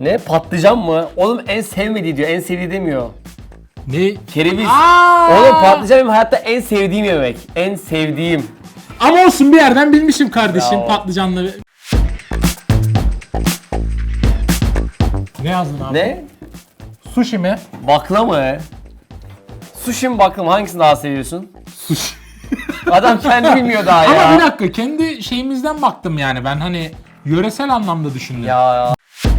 Ne? Patlıcan mı? Oğlum en sevmediği diyor. En sevdiği demiyor. Ne? Kereviz. Aa! Oğlum patlıcan benim hayatta en sevdiğim yemek. En sevdiğim. Ama olsun bir yerden bilmişim kardeşim Ya. patlıcanlı. Ne yazdın abi? Ne? Sushi mi? Bakla mı? Sushi mi bakla mı? Hangisini daha seviyorsun? Sushi. Adam kendi bilmiyor daha ya. Ama bir dakika kendi şeyimizden baktım yani ben hani yöresel anlamda düşündüm. Ya.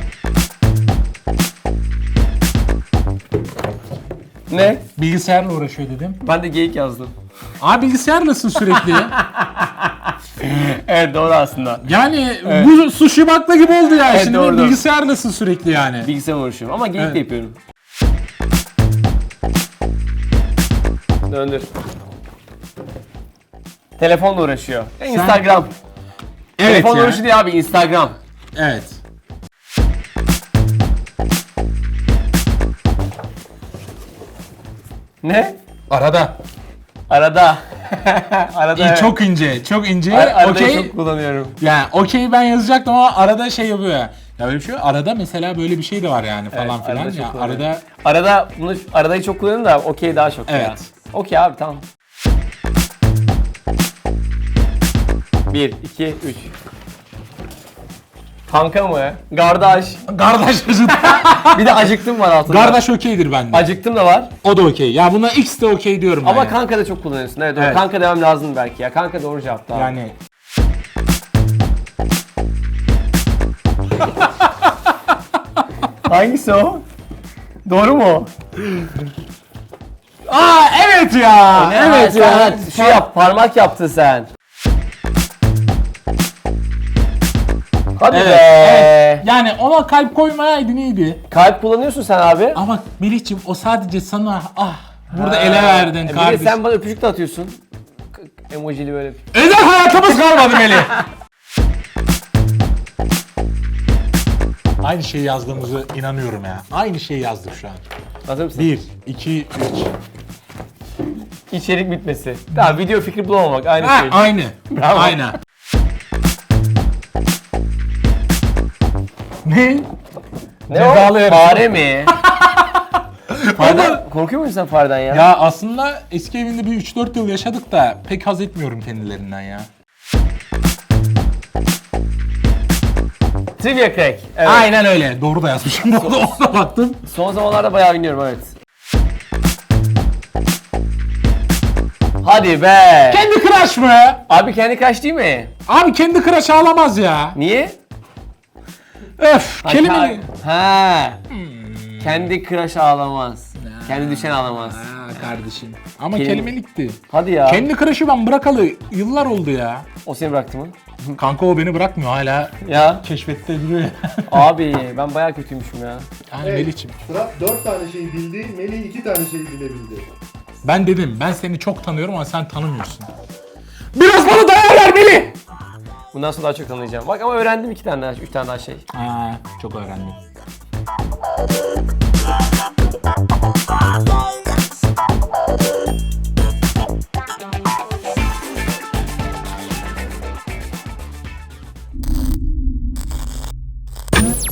Ne? Bilgisayarla uğraşıyor dedim. Ben de geyik yazdım. Abi bilgisayarlasın sürekli. Evet doğru aslında. Yani bu sushi bakla gibi oldu ya Evet, şimdi doğru. bilgisayarlasın sürekli yani. Bilgisayar uğraşıyorum ama geyik de yapıyorum. Döndür. Telefonla uğraşıyor. Instagram. Evet Telefonla ya. uğraşıyor değil abi, Instagram. Evet. Ne? Arada. Arada. Arada. İyi, çok ince, çok ince. Aradayı Okey. çok kullanıyorum. Yani okey ben yazacaktım ama arada şey yapıyor ya. Ya böyle bir şey yok. Arada mesela böyle bir şey de var yani falan Evet, filan. arada çok Ya kullanıyorum. arada Aradayı çok kullanıyorum da okey daha çok ya. Evet. Okey abi tamam. 1, 2, 3. Kanka mı? Kardeş. kardeş acıdı. Bir de acıktım var altında. Kardeş okeydir bende. Acıktım da var. O da okey. Ya buna X de okey diyorum ben Ama ya. kanka da çok kullanıyorsun. Evet, doğru. Evet. Kanka demem lazım belki ya. Kanka doğru cevap daha. Yani Hangisi o? Doğru mu? Aa evet ya. Evet sen ya. Şu yap, parmak yaptın sen. Hadi Evet, be. evet. Yani ona kalp koymayaydın iyiydi. Kalp kullanıyorsun sen abi. Ama Melih'ciğim o sadece sana burada ele verdin Bir de kardeşim. sen bana öpücük de atıyorsun. Emojili böyle. Özel hayatımız kalmadı Melih. Aynı şeyi yazdığımızı inanıyorum ya. Aynı şeyi yazdık şu an. Hazır mısın? 1, 2, 3. İçerik bitmesi. Tamam, video fikri bulamamak aynı şey. Aynı. Bravo. Aynı. Ne? Ne Cezalı o? yarışma. Fare mi? Fareden, korkuyor musun sen fareden ya? Ya aslında eski evinde bir 3-4 yıl yaşadık da pek haz etmiyorum kendilerinden ya. Trivia Crack. Evet. Aynen öyle. Doğru da yazmışım. Ona baktım. Son zamanlarda bayağı oynuyorum, evet. Hadi be. Kendi Crush mı? Abi kendi kaç değil mi? Abi kendi Crush ağlamaz ya. Niye? Öf. Kelime. Ha. Kendi crush ağlamaz. Kendi düşen ağlamaz. Kardeşim. Ama Kelime- kelimelikti. Hadi ya. Kendi Crush'ı ben bırakalı yıllar oldu ya. O seni bıraktı mı? Kanka o beni bırakmıyor hala. Ya. Keşfette duruyor ya. Abi ben bayağı kötüymüşüm ya. Yani Evet. Melih'ciğim. Fırat 4 tane şey bildi, Melih 2 tane şey bilebildi. Ben dedim ben seni çok tanıyorum ama sen tanımıyorsun. Biraz bana değer ver Melih. Bundan sonra daha çok anlayacağım. Bak ama öğrendim 2 tane daha, 3 tane daha şey. Çok öğrendim.